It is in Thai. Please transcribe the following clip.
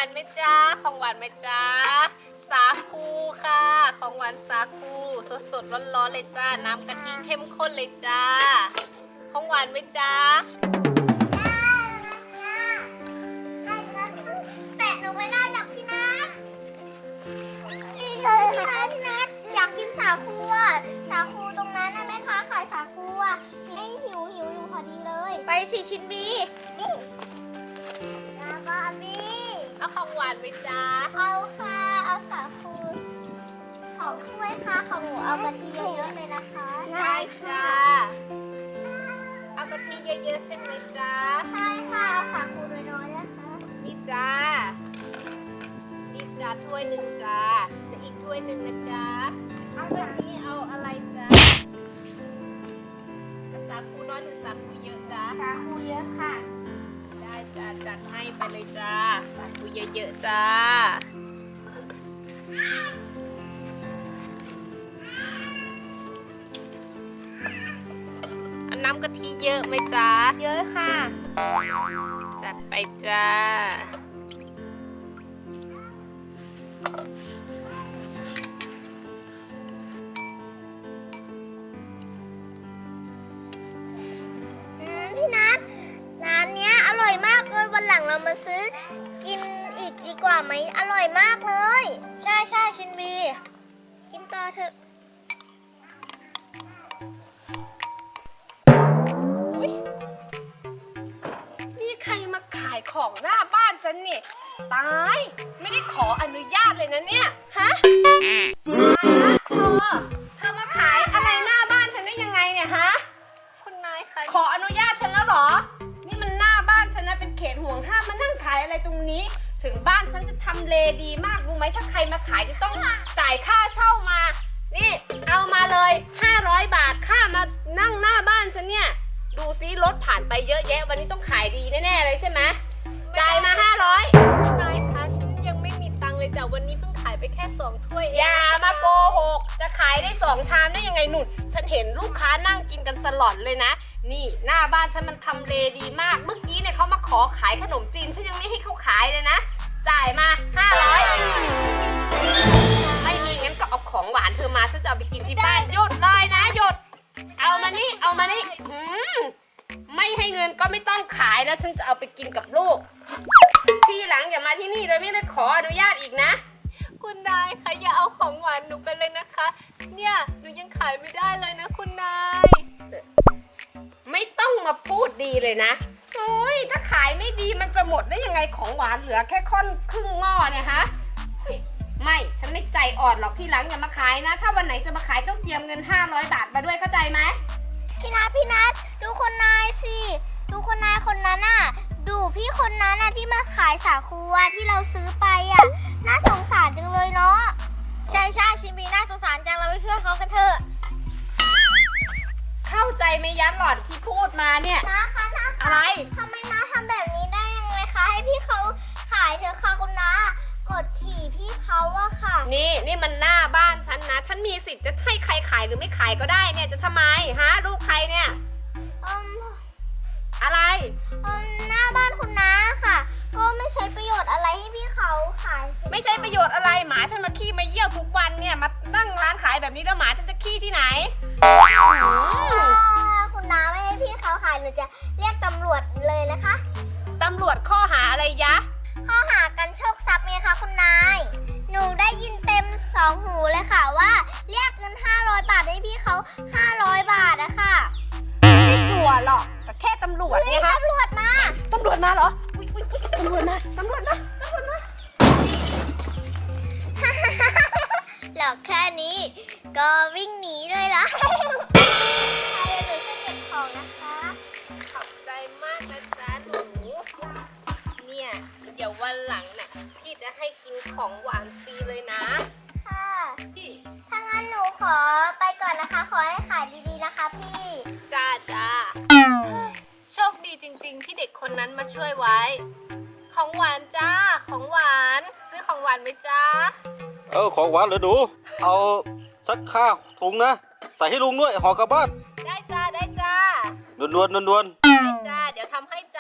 านไหมจ๊ะของหวานไหมจ๊ะสาคูค่ะของหวานสาคูสดๆร้อนๆเลยจ้าน้ำกะทิเข้มข้นเลยจ้าของหวานไหมจ๊ะแต่หนูไม่ได้หรอกพี่นัทพี่นัทอยากกินสาคูอ่ะสาคูตรงนั้นนะแม่ค้าขายสาคูอ่ะให้หิวอยู่พอดีเลยไปสิชินบีนี่แล้วก็มีเอาของหวานไหมจ๊ะเอาค่ะเอาสาคูของถ้วยค่ะของหนูเอากะทิเยอะๆเลยนะคะได้จ้าเอากะทิเยอะๆใช่ไหมจ๊ะใช่ค่ะเอาสาคูน้อยๆนะคะนี่จ้านี่จ้าถ้วยหนึ่งจ้าและอีกถ้วยหนึ่งนะจ๊ะถ้วยนี้เอาอะไรจ๊ะสาคูน้อยหรือสาคูเยอะจ๊ะสาคูเยอะค่ะได้จ้าจัดให้ไปเลยจ้าสาคูเยอะๆจ้าน้ำกะทิเยอะไหมจ๊ะเยอะค่ะจัดไปจ้าพี่นัทร้านเนี้ยอร่อยมากเลยวันหลังเรามาซื้อกินอีกดีกว่าไหมอร่อยมากเลยใช่ชินบีกินต่อเถอะนี่ใครมาขายของหน้าบ้านฉันนี่ตายไม่ได้ขออนุญาตเลยนะเนี่ยฮะเธอมาขายอะไรหน้าบ้านฉันได้ยังไงเนี่ยฮะคุณนายคะขออนุญาตฉันแล้วเหรอนี่มันหน้าบ้านฉันนะเป็นเขตห่วงห้ามมานั่งขายอะไรตรงนี้ถึงบ้านฉันจะทำเลดีมากรู้ไหมถ้าใครมาขายจะต้องจ่ายค่าเช่ามานี่เอามาเลย500 บาทค่ามานั่งหน้าบ้านฉันเนี่ยดูซิรถผ่านไปเยอะแยะวันนี้ต้องขายดีแน่ๆเลยใช่ไหมจ่ายมา500นายคะฉันยังไม่มีตังค์เลยจ้ะวันนี้เพิ่งขายไปแค่2 ถ้วยอย่ามาโกหกจะขายได้2 ชามได้ยังไงหนุนฉันเห็นลูกค้านั่งกินกันสลอนเลยนะนี่หน้าบ้านฉันมันทำเลดีมากเมื่อกี้เนี่ยเขามาขอขายขนมจีนฉันยังไม่ให้เขาขายเลยนะจ่ายมา500ไม่มีงั้นก็เอาของหวานเธอมาฉันจะเอาไปกินที่บ้านหยุดเลยนะหยุดเอามานี่ไม่ให้เงินก็ไม่ต้องขายแล้วฉันจะเอาไปกินกับลูกทีหลังอย่ามาที่นี่เลยไม่ได้ขออนุญาตอีกนะคุณนายคะอย่าเอาของหวานหนูไปเลยนะคะเนี่ยหนูยังขายไม่ได้เลยนะคุณนายไม่ต้องมาพูดดีเลยนะโอ้ยถ้าขายไม่ดีมันจะหมดได้ยังไงของหวานเหลือแค่ค่อนครึ่งหม้อเนี่ยฮะไม่ฉันไม่ใจอ่อนหรอกทีหลังอย่ามาขายนะถ้าวันไหนจะมาขายต้องเตรียมเงิน500 บาทมาด้วยเข้าใจไหมพี่นัทดูคนนายสิดูคนนายคนนั้นน่ะดูพี่คนนั้นน่ะที่มาขายสาคูที่เราซื้อไปอ่ะน่าสงสารจังเลยเนาะใช่ชินบีน่าสงสารจังเราไปช่วยเขากันเถอะเข้าใจไหมยันหล่อนที่พูดมาเนี่ยนะคะอะไรทำไมน้าทำแบบนี้ได้ยังไงคะให้พี่เขาขายเถอะค่ะคุณน้ากดขี่พี่เขาอะค่ะนี่มันหน้าบ้านฉันนะฉันมีสิทธิ์จะให้ใครขายหรือไม่ขายก็ได้เนี่ยจะทำไมฮะลูกใครเนี่ยอะไรหน้าบ้านคุณน้าค่ะก็ไม่ใช้ประโยชน์อะไรให้พี่เขาขายไม่ใช่ประโยชน์อะไรหมาฉันมาขี้มาเยี่ยวทุกวันเนี่ยมานั่งร้านขายแบบนี้แล้วหมาฉันจะขี้ที่ไหนคุณน้าไม่ให้พี่เขาขายหนูจะเรียกตำรวจเลยนะคะตำรวจข้อหาอะไรยะข้อหากันโชคทรัพย์ไงคะคุณนายหนูได้ยินเต็ม2 หูเลยค่ะว่าเรียกเงิน500 บาทให้พี่เขา500 บาทอะค่ะไม่กลัวหรอกแต่แค่ตำรวจไงคะตำรวจมาเหรออุ๊ยตำรวจมาหลอกแค่นี้ก็วิ่งหนีด้วยล่ะเดี๋ยวหนูจะเก็บของนะคะขอบใจมากนะจ๊ะหนูเนี่ยเดี๋ยววันหลังน่ะพี่จะให้กินของหวานฟรีเลยนะค่ะถ้างั้นหนูขอไปก่อนนะคะขอให้ขายดีๆนะคะพี่จ้าโชคดีจริงๆที่เด็กคนนั้นมาช่วยไว้ของหวานจ้าของหวานซื้อของหวานไหมจ้าของหวานเหรอหนูเอาสักข้าวถุงนะใส่ให้ลุงด้วยห่อกลับบ้านได้จ้าด่วนได้จ้าเดี๋ยวทำให้